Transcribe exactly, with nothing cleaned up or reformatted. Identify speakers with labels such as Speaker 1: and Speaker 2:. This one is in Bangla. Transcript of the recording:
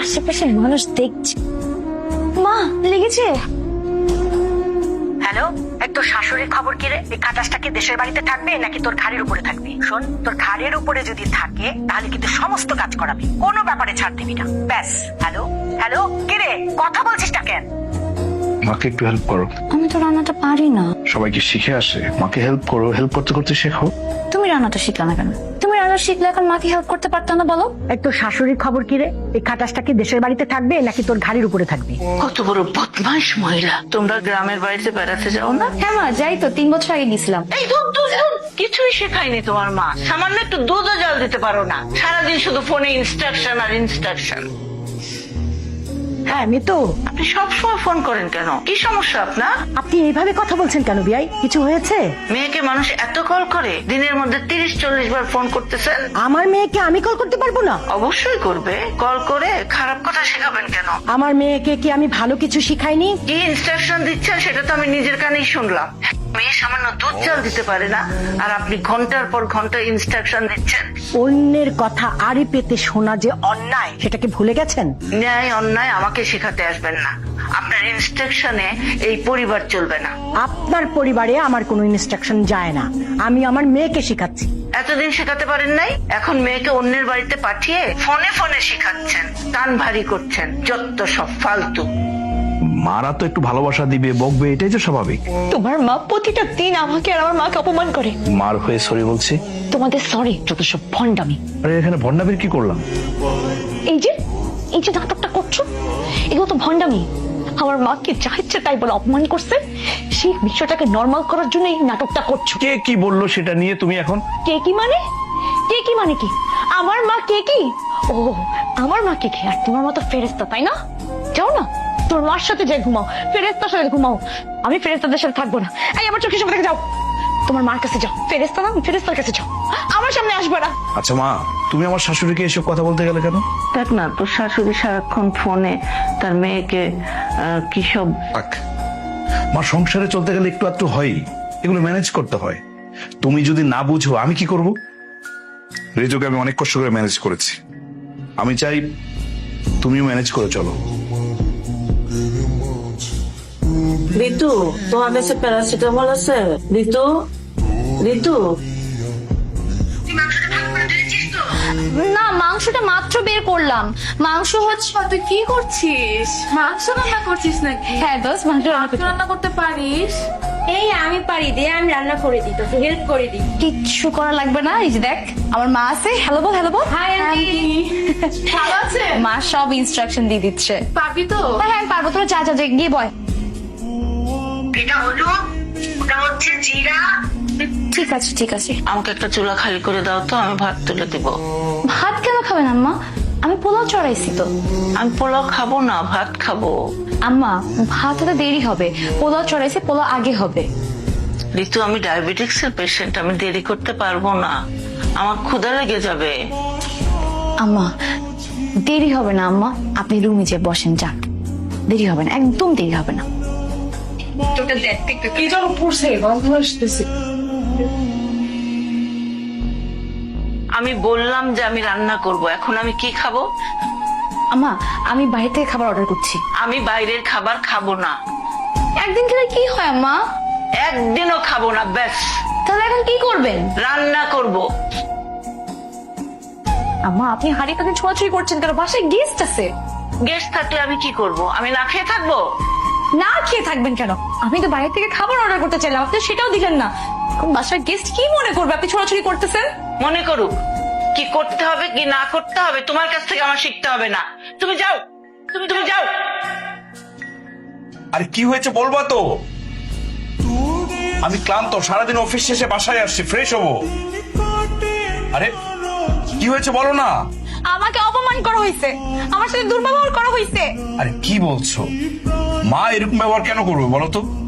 Speaker 1: আশেপাশে মানুষ দেখছে। মা লেগেছে।
Speaker 2: হ্যালো, এই তোর শাশুড়ির খবর কি রে? এই খাটাসটা কি দেশের বাড়িতে থাকবে নাকি তোর ঘাড়ের উপরে থাকবে? শোন, তোর ঘাড়ের উপরে যদি থাকে তাহলে কিন্তু সমস্ত কাজ করাবি, কোনো ব্যাপারে ছাড় দিবি না। ব্যাস। হ্যালো হ্যালো, কি রে কথা বলছিস না কেন?
Speaker 3: মাকে একটু হেল্প করো।
Speaker 1: আমি তো রান্নাটা পারি না।
Speaker 3: সবাইকে শিখে আসে, মাকে হেল্প করো, হেল্প করতে করতে শেখো।
Speaker 1: তুমি রান্নাটা শিখলে না কেন? তুমি রান্না শিখলে এখন মাকে হেল্প করতে পারতো না বলো?
Speaker 2: এই তোর শাশুড়ির খবর কি রে? এই খাটাসটা কি দেশের বাড়িতে থাকবে নাকি তোর ঘাড়ের উপরে থাকবে?
Speaker 4: কত বড় বদমাইশ মহিলা। তোমরা গ্রামের বাড়িতে বেড়াতে যাও না?
Speaker 1: হ্যাঁ মা, যাই তো, তিন বছর আগে গেছিলাম।
Speaker 4: এই দুধ দুধ দুধ কিছুই শেখায়নি তোমার মা। সামান্য একটু দুধও জল দিতে পারো না, সারাদিন শুধু ফোনে ইনস্ট্রাকশন আর ইনস্ট্রাকশন।
Speaker 2: হ্যাঁ মিতু,
Speaker 4: আপনি সবসময় ফোন করেন কেন? কি সমস্যা আপনার?
Speaker 2: আপনি এইভাবে কথা বলছেন কেন বিয়াই? কিছু হয়েছে?
Speaker 4: মেয়েকে মানুষ এত কল করে, দিনের মধ্যে তিরিশ চল্লিশ বার ফোন করতেছেন।
Speaker 2: আমার মেয়েকে আমি কল করতে পারবো না?
Speaker 4: অবশ্যই করবে। কল করে খারাপ কথা শেখাবেন কেন?
Speaker 2: আমার মেয়েকে কি আমি ভালো কিছু শিখাইনি?
Speaker 4: কি ইনস্ট্রাকশন দিচ্ছেন সেটা তো আমি নিজের কানেই শুনলাম। মেয়ে সামান্য দুধ জল দিতে পারে না, আর আপনি ঘন্টার পর ঘন্টা ইনস্ট্রাকশন দিচ্ছেন।
Speaker 2: অন্যের কথা আড়ি পেতে শোনা যে অন্যায়, সেটাকে ভুলে গেছেন?
Speaker 4: ন্যায় অন্যায় আমাকে শেখাতে আসবেন না। আপনার ইনস্ট্রাকশনে এই পরিবার চলবে না।
Speaker 2: আপনার পরিবারে আমার কোনো ইনস্ট্রাকশন যায় না, আমি আমার মেয়েকে শেখাচ্ছি।
Speaker 4: এতদিন শেখাতে পারেন নাই, এখন মেয়েকে অন্যের বাড়িতে পাঠিয়ে ফোনে ফোনে শেখাচ্ছেন, কান ভারী করছেন। যত সব ফালতু।
Speaker 3: মারা তো একটু ভালোবাসা দিবে, বকবে, এটাই তো স্বাভাবিক।
Speaker 1: তোমার মা প্রতিটা দিন আমাকে আর আমার মাকে অপমান করে।
Speaker 3: মার হয়ে সরি বলছি।
Speaker 1: তোমাদের সরি যত সব ভণ্ডামি।
Speaker 3: আরে এখানে ভন্ডামির কি করলাম?
Speaker 1: এই যে এই যে নাটকটা করছো, এগুলো তো ভণ্ডামি। আমার মাকে যা ইচ্ছে তাই বলে অপমান করছে, সেই বিষয়টাকে নর্মাল করার জন্য এই নাটকটা করছো।
Speaker 3: কে কি বললো সেটা নিয়ে তুমি এখন?
Speaker 1: কে কি মানে? কে কি মানে কি? আমার মা কে কি? ও, আমার মা কে কি? আর তোমার মতো ফেরেস্তা, তাই না? যাও না, তোর মার সাথে যাই ঘুমাও, ফেরেস্তার সাথে ঘুমাও। আমি ফেরেস্তাদের সাথে থাকবো না। এই আমার চোখের সামনে থেকে যাও, তোমার মার কাছে যাও। ফেরেস্তা না, ফেরেস্তার কাছে যাও, আমার সামনে আসবে না।
Speaker 3: আচ্ছা মা, তুমি আমার শাশুড়িকে এসব কথা বলতে গেলে কেন?
Speaker 4: দেখ না, তোর শাশুড়ি সারাক্ষণ ফোনে তার মেয়েকে আহ, কি সব।
Speaker 3: থাক, মা সংসারে চলতে গেলে একটু একটু হয়, এগুলো ম্যানেজ করতে হয়। তুমি যদি না বুঝো আমি কি করব? রেজোকে আমি অনেক কষ্ট করে ম্যানেজ করেছি, আমি চাই তুমিও ম্যানেজ করে চলো।
Speaker 4: ঋতু, তোমার কাছে প্যারাসিটামল আছে? ঋতু, ঋতু।
Speaker 1: না, মাংসটা মাত্র বের করলাম। মাংস হচ্ছে।
Speaker 5: তুই কি করছিস? মাংস রান্না করছিস নাকি?
Speaker 1: হ্যাঁ দোষ, মাংস রান্না করছি।
Speaker 5: রান্না করতে পারিস?
Speaker 1: এই আমি পারি, দে আমি রান্না করে দিই, তোকে হেল্প করে দিই। কিচ্ছু করা লাগবে না, এই যে দেখ আমার মা আছে। হ্যালো বল, হ্যালো বল।
Speaker 5: হাই আন্টি, ভালো আছে?
Speaker 1: মা সব ইনস্ট্রাকশন দিয়ে দিচ্ছে।
Speaker 5: পারবি তো?
Speaker 1: হ্যাঁ হ্যাঁ আমি পারবো, তোরা যা যা যা, গিয়ে বয়।
Speaker 2: এটা হলো, ওটা হচ্ছে জিরা।
Speaker 1: ঠিক আছে ঠিক আছে।
Speaker 4: আমাকে একটা চুলা খালি করে দাও তো, আমি ভাত তুলে দিব।
Speaker 1: ভাত কেন খাবেন আম্মা? আমি পোলাও চড়াইছি তো।
Speaker 4: আমি পোলাও খাবো না, ভাত খাবো।
Speaker 1: আম্মা ভাত হতে দেরি হবে, পোলাও চড়াইছি, পোলাও আগে হবে।
Speaker 4: ঋতু, আমি ডায়াবেটিক্স এর পেশেন্ট, আমি দেরি করতে পারবো না, আমার ক্ষুধা লেগে যাবে।
Speaker 1: আম্মা দেরি হবে না আম্মা, আপনি রুমে যে বসেন, যান, দেরি হবে না, একদম দেরি হবে না।
Speaker 5: তোকে দেখতে কি যেন পড়ছে, গন্ধ আসতেছে।
Speaker 4: আমি বললাম যে আমি রান্না করব, এখন আমি কি খাবো?
Speaker 1: আম্মা আমি বাইরে থেকে খাবার অর্ডার করছি।
Speaker 4: আমি বাইরের খাবার খাবো না।
Speaker 1: একদিন খেলে কি হয় আম্মা?
Speaker 4: একদিনও খাবো না, ব্যাস।
Speaker 1: তাহলে এখন কি করবেন?
Speaker 4: রান্না করব।
Speaker 1: আম্মা আপনি হাড়ি কাকে ছোঁয়াছুঁই করছেন কেন? বাসায় গেস্ট আছে।
Speaker 4: গেস্ট থাকলে আমি কি করব? আমি না খেয়ে থাকবো?
Speaker 1: না খেয়ে থাকবেন কেন? আমি তো বাইরে থেকে খাবার অর্ডার করতে চাইলাম, আপনি সেটাও দিলেন না। এখন বাসায় গেস্ট কি মনে করবে আপনি ছোড়াছুড়ি করতেছেন?
Speaker 4: মনে করুক, কি করতে হবে কি না করতে হবে তোমার কাছ থেকে আমার শিখতে হবে না। তুমি যাও, তুমি তুমি যাও।
Speaker 3: আরে কি হয়েছে বলবা তো? আমি ক্লান্ত, সারাদিন অফিস শেষে বাসায় আসছি, ফ্রেশ হবো। আরে কি হয়েছে বলো না?
Speaker 1: আমাকে অপমান করা হয়েছে, আমার সাথে দুর্ব্যবহার করা হয়েছে।
Speaker 3: আরে কি বলছো? মা এরকম ব্যবহার কেন করবে বলো তো?